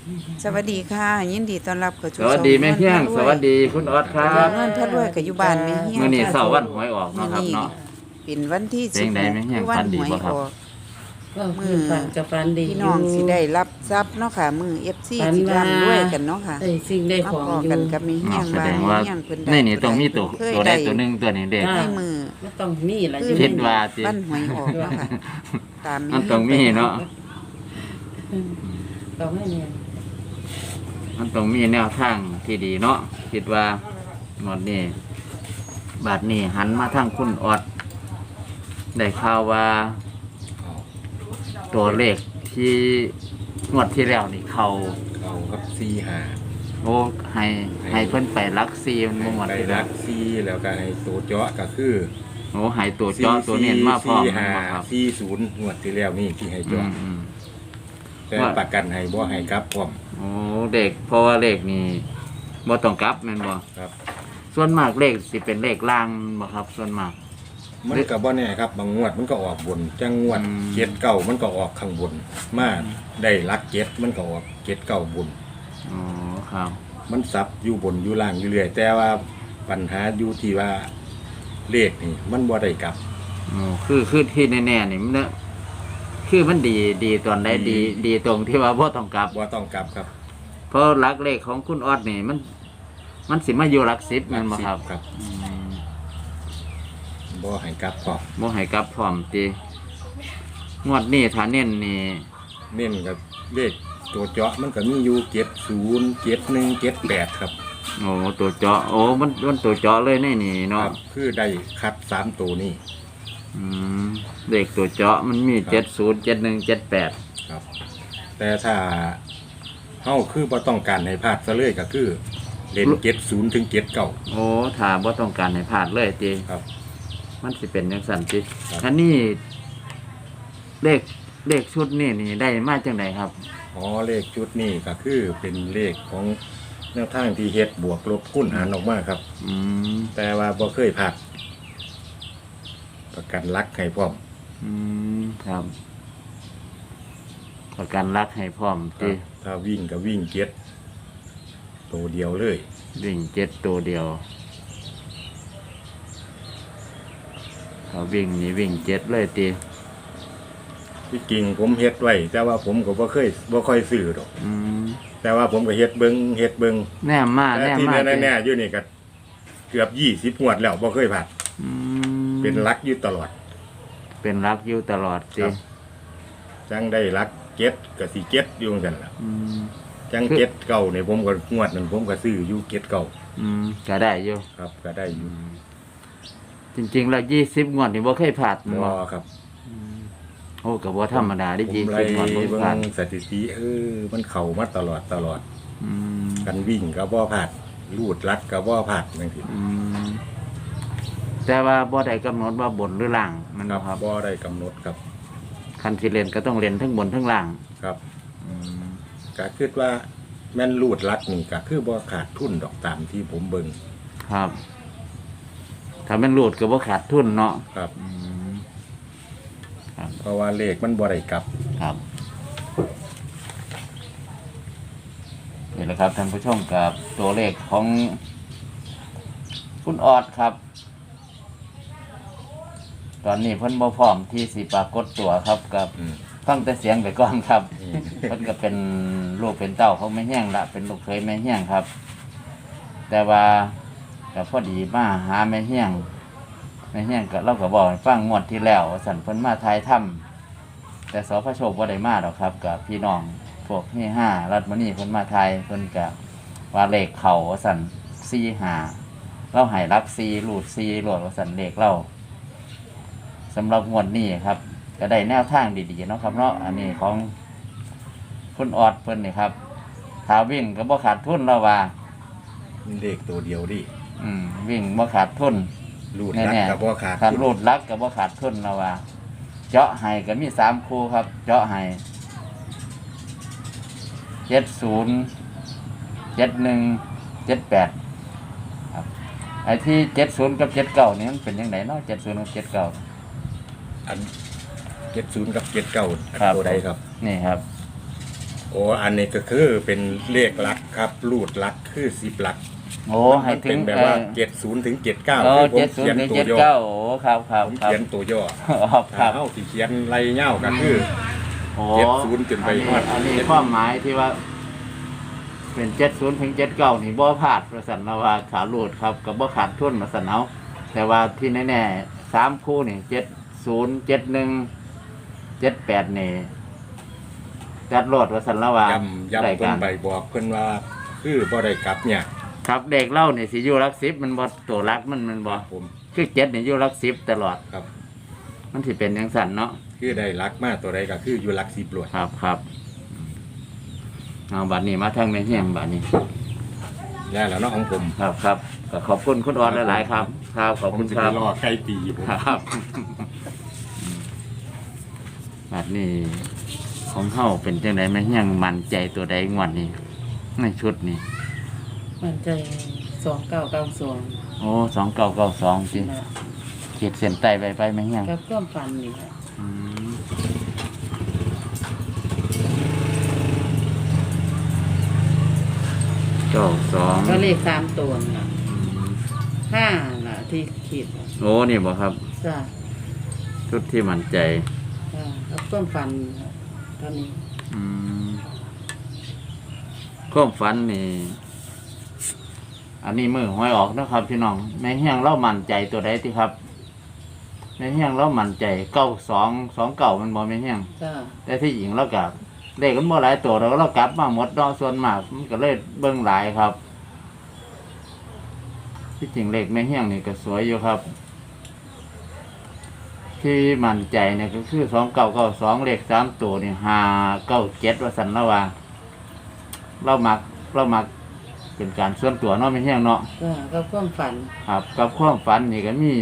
สวัสดีค่ะยินดีต้อนรับเข้าสู่สวัสดีแม่เฮียงสวัสดีคุณออดครับเงินพระรวยกับอยู่บ้านแม่เฮียงมื้อนี้เสาร์วันหวยออกเนาะครับเนาะเป็นวันที่เพลงใดแม่เฮียงวัฝันดีหวยบ่ครับออกก็คือฝันกับฝันดีพี่น้องสิได้รับทรัพย์เนาะค่ะมือ FC สิร่ำรวยกันเนาะค่ะได้สิ่งได้มาของพออยู่กันกับแม่เฮียงแสว่าดงแม่ว่าเฮียงเพิ่นในนี่ต้องมีตัวเคยตัวใดได้ตัวหนึงตัวนี้เด็กให้มือก็ต้องมีล่ะคือคิดว่าสิวันหวยออกเนาะค่ะตามมันต้องมีเนาะต้องให้เนี่ยมันต้องมีแนวทางที่ดีเนาะคิดว่าหมดนี้บาดนี้หันมาทางคุณออดได้ข่าวว่า ตัวเลขที่งวดที่แล้วนี่เขาเขาครับซีหาโอ้ให้เพิ่นไปรักซีมันบ่หมดไปที่แล้รัวกซีแล้วก็ให้ตัวเจาะก็คือโอ้ให้ตัวเจาะตัวเน้นมาพร้อมหาบ่ครับซีศูนย์งวดที่แล้วนี่ที่ให้อืเจาะมแต่ประกันให้บ่ให้กลับพร้อมโอ้เด็กเพราะว่าเลขนี่บ่ต้องกลับแม่นบ่ครับส่วนมากเลขสิเป็นเลขล่างบ่ครับ ส่วนมากมันก็บ่แน่ครับบางงวดมันก็ออกบนจังงวดอืมเจ็ดเก้ามันก็ออกข้างบนมาได้รักเจ็ดมันก็ออกเจ็ดเก้าบนอ๋อครับมันซับอยู่บนอยู่ล่างอยู่เรื่อยแต่ว่าปัญหาอยู่ที่ว่าเลขนี่มันบ่ได้กลับโอ้คือที่แน่ๆนี่มันเนี่ยคือมันดีตอนใดดีดีตรงที่ว่าบ่ต้องกลับบ่ต้องกลับครับเพราะหลักเลขของคุณออดนี่มันสิมาอยู่หลัก10แม่นบ่ครับครับอืมบ่ให้กลับพร้อมบ่ให้กลับพร้อมติงวดนี้ถ้าเน้นนี่เน้นกับเลขตัวเจาะมันก็มีอยู่70 71 78ครับโอ้ตัวเจาะโอ้มันตัวเจาะเลยในนี่คเนาะรับคือได้คัด3ตัวนี้อืมเลขตัวเจาะมันมีครับ 70 71 78 ครับ แต่ถ้าเฮาคือบ่ต้องการให้พลาดซะเลยก็คือเล่น70ถึง79 โอ้ถ้าบ่ต้องการให้พลาดเลยติครับมันสิเป็นจังซั่นติครับอันนี้เลขชุดนี้นี่ได้มาจังไดครับอ๋อเลขชุดนี้ก็คือเป็นเลขของแนวทางที่เฮ็ดบวกลบคูณหารออกมาครับอืมแต่ว่าบ่เคยพลาดประกันรักให้พร้อมอืมครับ ประกันรักให้พร้อมครัติบถ้าวิ่งก็วิ่งเก็ดตัวเดียวเลยวิ่ง7ตัวเดียวถ้าวิ่งนี่วิ่ง7เลยติที่จริงผมเฮ็ดไว้แต่ว่าผมก็บ่ค่อยซื้อดอกอืมแต่ว่าผมก็เฮ็ดเบิ่งแนมมาแต่แนมที่มาแน่ๆอยู่นี่ก็เกือบ20งวดแล้วบ่เคยพลาดอืมเป็นรักอยู่ตลอดเป็นรักอยู่ตลอดคติรับ จังได้รักเก็ดก็สิเก็ดอยู่จังซั่นล่ะอืมจังเก็ดเก่านี่ผมก็งวดนั้นผมก็ซื้ออยู่เก็ดเก่าก็ได้อยู่ครับ ก็ได้อยู่จริงๆแล้ว20งวดนี่บ่เคยพลาดบ่บ่ครับโอ้ก็บ่ธรรมดาได้ผมไล่ 20งวดบ่เบิ่พลาดงสถิติมันเข้ามาตลอดอืมกันวิ่งก็บ่พลาดลูดรัดก็บ่พลาดจังซี่อืมแต่ว่าบ่ได้กำหนดว่าบนหรือล่างมันครับ่บครับบ่ได้กำหนดครับคันสิเล่นก็ต้องเล่นทั้งบนทั้งล่างครับ ก็คิดว่าแม่นลูดรัดนี่ก็คือบ่ขาดทุนดอกตามที่ผมเบิ่งครับ ถ้าแม่นรูดก็บ่ขาดทุนเนาะครับอืมเพราะว่าเลขมันบ่ได้กลับครับนี่แหละครับท่านผู้ชมกับตัวเลขของคุณออดครับ ตอนนี้เพิ่นบ่พร้อมที่สิปรากฏตัวครับกับอืมฟังแต่เสียงไปก่อนครับอืมเพิ่นก็เป็นลูกเป็นเต้าเขาไม่แห้งละเป็นลูกเคยไม่แห้งครับ แต่ว่าก็พอดีมาหาไม่แห้งก็เราก็บอกให้ฟังงวดที่แล้วว่าสั่นเพิ่นมาทายถ้ำแต่สพโชคบ่ได้มาดอกครับกับพี่น้องพวกที่5รัฐมณีเพิ่นมาทายเพิ่นก็ว่าเลขเขาว่าสั่น45เราให้รัก4รูด4โหลดว่าสั่นเลขเราสำหรับงวดนี้ครับ ก็ได้แนวทางดีๆเนาะครับเนาะอันนี้ของคุณออดเพิ่นนี่ครับถ้าวิ่งก็บ่ขาดทุนแล้วว่ามีเลขตัวเดียวดิวิ่งบ่ขาดทุนลูดรัดแน่ก็บ่ขาดๆการทุนรูดลักก็บ่ขาดทุนแล้วว่า เจาะให้ก็มี3คู่ครับ เจาะให้70 71 78ครับไอ้ที่70กับ79นี่มันเป็นจังไดเนาะ70กับ79 อัน70กับ79อันครับตัวใดครับนี่ครับโโอ้อันนี้ก็คือเป็นเลขหลักครับรูดหลักคือ10หลักโอ้ให้ถึเป็งนแบบว่า70ถึง79 โอ้คือผม 70 เขียนถึงตัวย่อ 79โอ้ครับครับผมครับเขียนตัวย่อครับเฮาสิเขียนไรเง่าก็คือโอ้ 70จนไปฮอดอันนี้ความหมายที่ว่า เป็น70ถึง79นี่บ่พลาดประสันนะว่าขาลูดครับก็บ่ขาดทุนมาสันเอาแต่ว่าที่แน่ๆ3คู่นี่70 71 78นี่จัดโลดว่าสันละว่าย้ำได้เพิ่กัน นไปบอกเพิ่นว่าคือบ่ได้กลับเนี่ยครับเด็กเล่านี่สิอยู่หลัก10มันบ่ตัวหลักมันบ่ผมคือ7นี่อยู่หลัก10ตลอดครับมันสิเป็นจังซั่นเนาะคือได้รักมาตัวใดก็คืออยู่หลัก10โลดครับครับเอาบัดนี้มาทางแม่เฮียงบัดนี้แล้วเนาะของผมครับครับก็ขอบคุณคุณออนหลายๆครับ ครับขอบผคุมณสิคไปรับรอใกล้ปีผมครับบัดนี้ของเฮาเป็นจังไดแม่เฮียงมั่นใจตัวใดงวดนี้ในชุดนี้มันใจ2992 โอ้2992สิเขียนเส้นใต้ไปแม่เฮียงกับความฝันนี่ล่ะอืม92 ก็เลข3ตัวน่ะ5น่ะที่คิดโอ้นี่บ่ครับจ้ะชุดที่มั่นใจจ้ะกับความฝันน่ะตอนนี้อืมความฝันนี่ อันนี้มือหวยออกนะครับพี่น้องแม่เฮียงเล่ามั่นใจตัวใดที่ครับแม่เฮียงเล่ามั่นใจ9229มันบ่แม่เฮียงจ้ะแต่ที่หญิงเรากับเลขมันบ่หลายตัวเรากลับมาหมดเนาะส่วนมากมันก็เลยเบิ่งหลายครับ ที่จริงเลขแม่เฮียงนี่ก็สวยอยู่ครับ ที่มั่นใจเนี่ยก็คือ2992เลข3ตัวนี่597ว่าซั่นละว่าเรามักเป็นการส่วนตัวเนาะแม่เฮียงเนาะจ้ะกับความฝันครับกับความฝันนี่ก็มี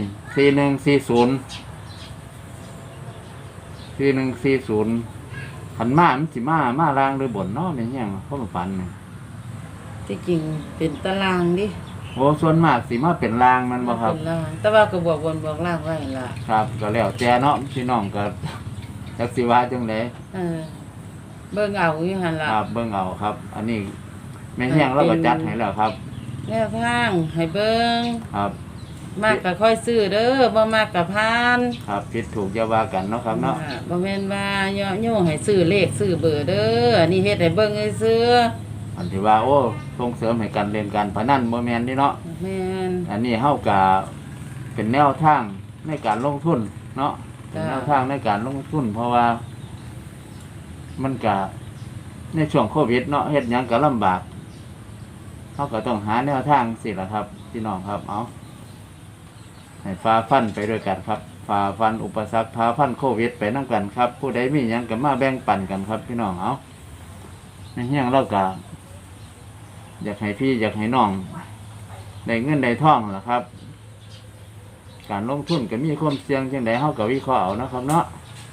4140ขันมามันสิมาล่างหรือบนเนาะแม่เฮียงความฝันนี่ที่จริงเป็นตารางดิโอ้ส่วนมากสิมาเป็นล่างมันบ่ครับเป็นล่างแต่ว่าก็บวกบนบวกล่างไว้ล่ะครับก็แล้วแต่เนาะพี่น้องก็ จักสิว่าจังได๋เออเบิ่งเอาอยู่หั่นล่ะครับเบิ่งเอาครับ อันนี้แม่เฮียงเราก็จัดให้แล้วครับแนวทางให้เบิ่งครับมากก็ค่อยซื้อเด้อบ่มากก็ผ่านครับผิดถูกอย่าว่ากันเนาะครับเนาะบ่แม่นว่าย่อโยให้ซื้อเลขซื้อเบอร์เด้ออันนี้เฮ็ดให้เบิ่งซื่ออันที่ว่าโอ้ส่งเสริมให้การเล่นการพนันบ่แม่นนี่เนาะแม่นอันนี้เฮาก็เป็นแนวทางในการลงทุนเนาะเป็นแนวทางในการลงทุน เพราะว่า มันก็ในช่วงโควิดเนาะเฮ็ดหยังก็ลำบากเฮาก็ต้องหาแนวทางสิล่ะครับพี่น้องครับเอาให้ฝ่าฟันไปด้วยกันครับฝ่าฟันอุปสรรคฝ่าฟันโควิดไปนํกันครับ ผู้ใดมีหยังก็มาแบ่งปันกันครับ พี่น้องเอาในเฮียงเราก็อยากให้พี่อยากให้น้องได้เงินได้ทองล่ะครับ การลงทุนก็มีความเสี่ยงจังไดเฮาก็วิเคราะห์เอานะครับเนาะ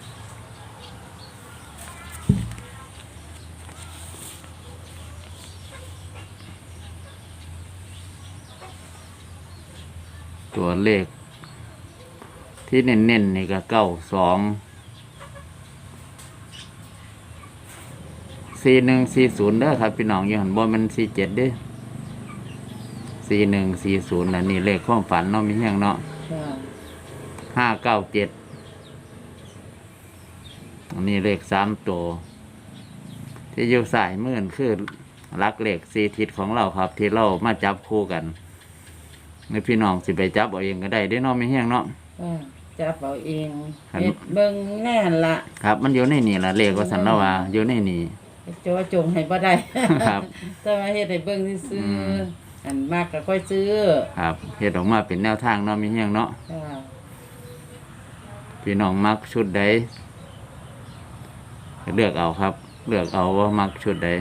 ตัวเลขที่เน้นๆนี่ก็92 4140เด้อครับพี่น้องอยู่หันบ่แมัน47เด้อ4140อันนี้เลขความฝันเนาะมีเฮียงเนาะจ้ะ 597อันนี้เลข3ตัวที่อยู่สายมือคือลักเลข4ทิศของเราครับ ที่เรามาจับคู่กันในพี่น้องสิไปจับเอาเองก็ได้เด้เนาะมีเฮียงเนาะจับเอาเองครับเฮ็ดเบิ่งแน่นล่ะครับ มันอยู่ในนี่ล่ะเลขว่าสันละว่าอยู่ในนี่จอจงให้บ่ได้ครับแต่ว่าเฮ็ดให้เบิ่งซื่อมๆอันมากก็ค่อยซื้อครับเฮ็ดออกมาเป็นแนวทางเนาะมีเฮียงเนาะจ้ะพี่น้องมักชุดใดเลือกเอาครับ เลือกเอาว่ามักชุดใด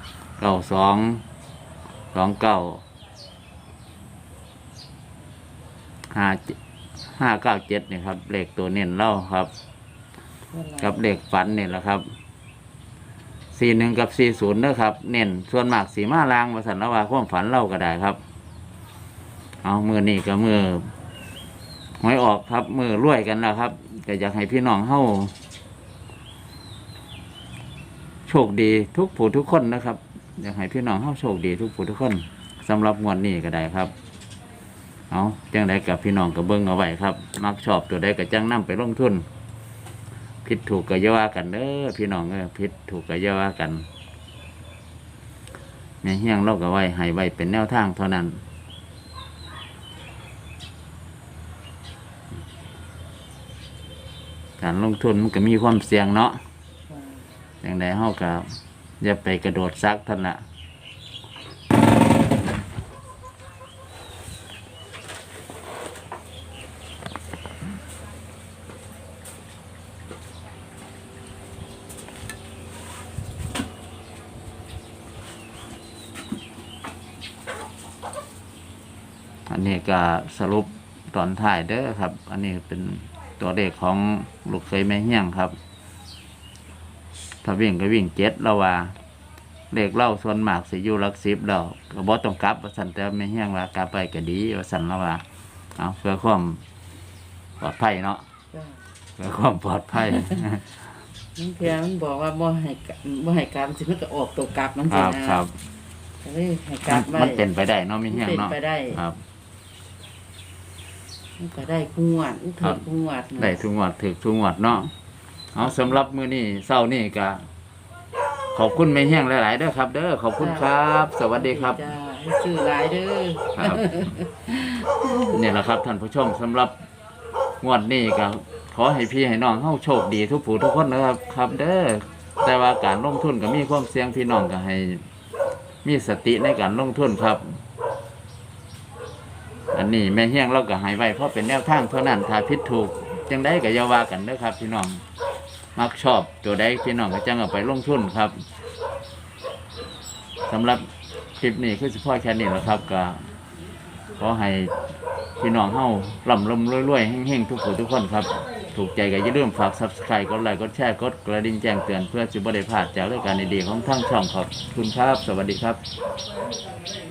597นี่ครับเลขตัวเน้นเล่าครับ กับเลขฝันนี่แหละครับ41กับ40เด้อครับ เน้นส่วนมากสีมาลางว่าสันละว่าความฝันเล่าก็ได้ครับ เอามือนี่กับมือหวยออกครับ มือรวยกันแล้วครับก็อยากให้พี่น้องเฮาโชคดีทุกผู้ทุกคนนะครับ อยากให้พี่น้องเฮาโชคดีทุกผู้ทุกคนสำหรับงวดนี้ก็ได้ครับเอาจังไดกับพี่น้องก็เบิ่งเอาไว้ครับมักชอบตัวใดก็จังนำไปลงทุนผิดถูกก็อย่าว่ากันเด้อพี่น้องผิดถูกก็อย่าว่ากันแม่เฮียงเราก็ไว้ให้ไว้เป็นแนวทางเท่านั้นการลงทุนมันก็มีความเสี่ยงเนาะอย่างใดเฮาก็อย่าไปกระโดดซักท่านละอันนี้ก็สรุปตอนท้ายเด้อครับ อันนี้เป็นตัวเลขของลูกเคยแม่เฮี้ยงครับถ้าวิ่งก็วิ่ง7แล้วว่าเลขเล่าส่วนมากสิอยู่หลัก10แล้วก็บ่ต้องกลับว่าซั่นแต่แม่เฮี้ยงว่ากลับไปก็ดีว่าซั่นแล้วว่าเอาเพื่อความปลอดภัยเนาะจ้าเพื่อความปลอดภัยมันเพียมันบอกว่าบ่ให้กลับสิมันก็ออกตัวกลับมันคสิรับนะครับ ก็เลยให้กลับไว้มันเป็นไปได้เนาะแม่เฮี้ยงเนาะมันเป็นไปได้ครับมันก็ได้คู่งวดมันถูกคู่งวดนะได้ทุกงวดถึกทุกงวดเนาะเอาสำหรับมื้อนี้เช้านี้ก็ขอบคุณแม่เฮี้ยงหลายๆเด้อครับเด้อขอบคุณครับ สวัสดีครับจ้าให้ซื้อหลายเด้อครับ นี่แหละครับท่านผู้ชมสำหรับงวดนี้ก็ขอให้พี่ให้น้องเฮาโชคดีทุกผู้ทุกคนนะครับครับเด้อแต่ว่าการลงทุนก็มีความเสี่ยงพี่น้องก็ให้มีสติในการลงทุนครับ อันนี้แม่เฮี้ยงเราก็ให้ไว้เพราะเป็นแนวทางเท่านั้นถ้าผิดถูกจังได้ก็อย่าว่ากันเด้อครับ พี่น้องมักชอบตัวใดพี่น้องก็จังเอาไปลงทุนครับสำหรับคลิปนี้คือเฉพาะแค่นี้แหละครับก็ขอให้พี่น้องเฮาร่ำรวยๆเฮงๆทุกผู้ทุกคนครับถูกใจก็อย่าลืมฝาก Subscribe กดไลค์กดแชร์กดกระดิ่งแจ้งเตือนเพื่อสิบ่ได้พลาดจากรายการดีๆของทางช่องครับขอบคุณครับ สวัสดีครับ